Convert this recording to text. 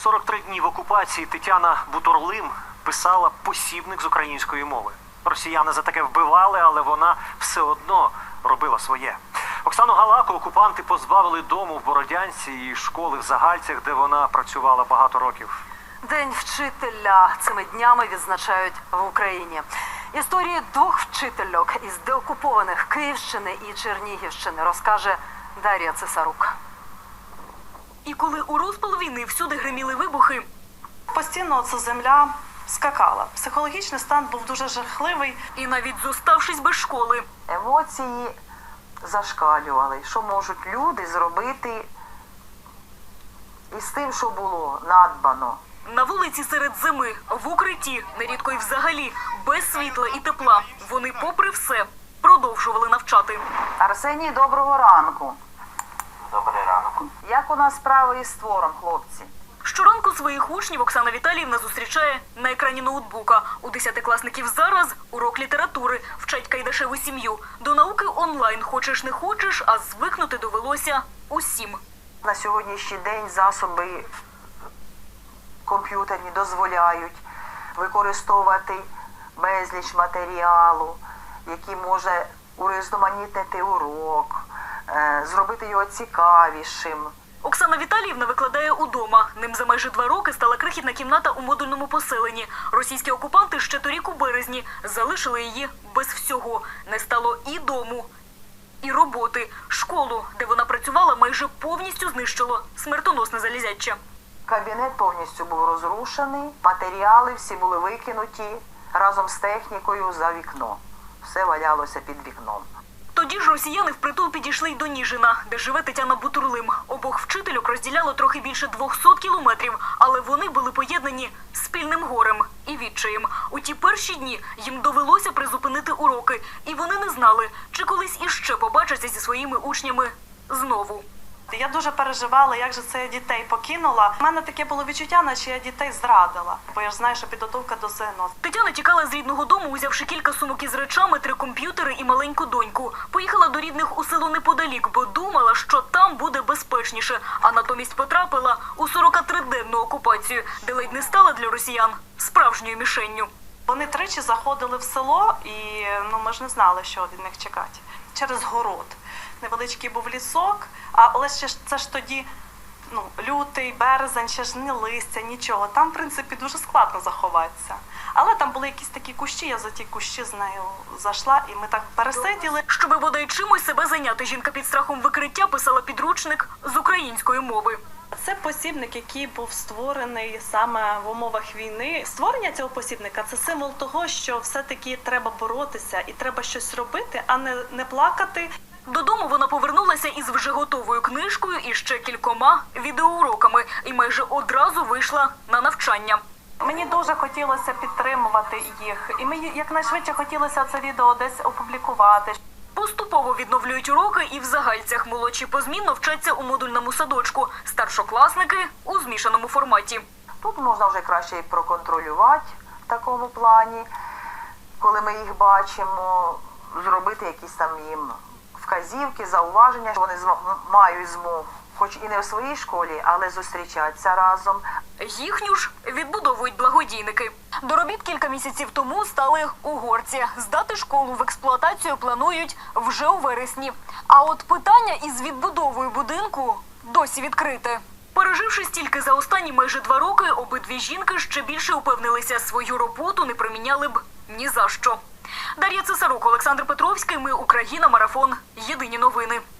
43 дні в окупації Тетяна Бутурлим писала посібник з української мови. Росіяни за таке вбивали, але вона все одно робила своє. Оксану Галаку окупанти позбавили дому в Бородянці і школи в Загальцях, де вона працювала багато років. День вчителя цими днями відзначають в Україні. Історії двох вчительок із деокупованих Київщини і Чернігівщини розкаже Дар'я Цесарук. І коли у розпал війни всюди гриміли вибухи, постійно ця земля скакала. Психологічний стан був дуже жахливий. і навіть зоставшись без школи, Емоції зашкалювали. Що можуть люди зробити із тим, що було надбано. на вулиці серед зими, в укритті, нерідко й взагалі, без світла і тепла, вони, попри все, продовжували навчати. Арсеній, доброго ранку. Добрий ранок. Як у нас справи із твором, хлопці? Щоранку своїх учнів Оксана Віталіївна зустрічає на екрані ноутбука. У 10-класників зараз урок літератури, вчать Кайдашеву сім'ю. До науки онлайн, хочеш не хочеш, а звикнути довелося усім. На сьогоднішній день засоби комп'ютерні дозволяють використовувати безліч матеріалу, який може урізноманітнити урок, зробити його цікавішим. Оксана Віталіївна викладає удома. Ним за майже 2 роки стала крихітна кімната у модульному поселенні. Російські окупанти ще торік у березні залишили її без всього. Не стало і дому, і роботи. Школу, де вона працювала, майже повністю знищило смертоносне залізяче. Кабінет повністю був розрушений, матеріали всі були викинуті разом з технікою за вікно. Все валялося під вікном. Тоді ж росіяни впритул підійшли й до Ніжина, де живе Тетяна Бутурлим. Обох вчительок розділяло трохи більше 200 кілометрів, але вони були поєднані спільним горем і відчаєм. У ті перші дні їм довелося призупинити уроки, і вони не знали, чи колись іще побачаться зі своїми учнями знову. Я дуже переживала, як же це я дітей покинула. У мене таке було відчуття, наче я дітей зрадила. Бо я ж знаю, що підготовка до ЗНО. Тетяна тікала з рідного дому, узявши кілька сумок із речами, 3 комп'ютери і маленьку доньку. Поїхала до рідних у село неподалік, бо думала, що там буде безпечніше. А натомість потрапила у 43-денну окупацію, де ледь не стала для росіян справжньою мішенню. Вони тричі заходили в село, і ми ж не знали, що від них чекати. Через город. Невеличкий був лісок, але це ж тоді лютий, березень, ще ж не листя, нічого. Там, в принципі, дуже складно заховатися. Але там були якісь такі кущі, я за ті кущі з нею зайшла, і ми так пересиділи. Щоби бодай чимось себе зайняти, жінка під страхом викриття писала підручник з української мови. Це посібник, який був створений саме в умовах війни. Створення цього посібника – це символ того, що все-таки треба боротися і треба щось робити, а не плакати. Додому вона повернулася із вже готовою книжкою і ще кількома відеоуроками. І майже одразу вийшла на навчання. Мені дуже хотілося підтримувати їх. І мені якнайшвидше хотілося це відео десь опублікувати. Поступово відновлюють уроки і в Загальцях. Молодші позмінно вчаться у модульному садочку. Старшокласники – у змішаному форматі. Тут можна вже краще і проконтролювати в такому плані, коли ми їх бачимо, зробити якісь там їм вказівки, зауваження, що вони мають змогу, хоч і не в своїй школі, але зустрічатися разом. Їхню ж відбудовують благодійники. До робіт кілька місяців тому стали угорці. Здати школу в експлуатацію планують вже у вересні. А от питання із відбудовою будинку досі відкрите. Переживши стільки за останні майже 2 роки, обидві жінки ще більше упевнилися, свою роботу не проміняли б ні за що. Дар'я Цесарук, Олександр Петровський. Ми Україна. Марафон. Єдині новини.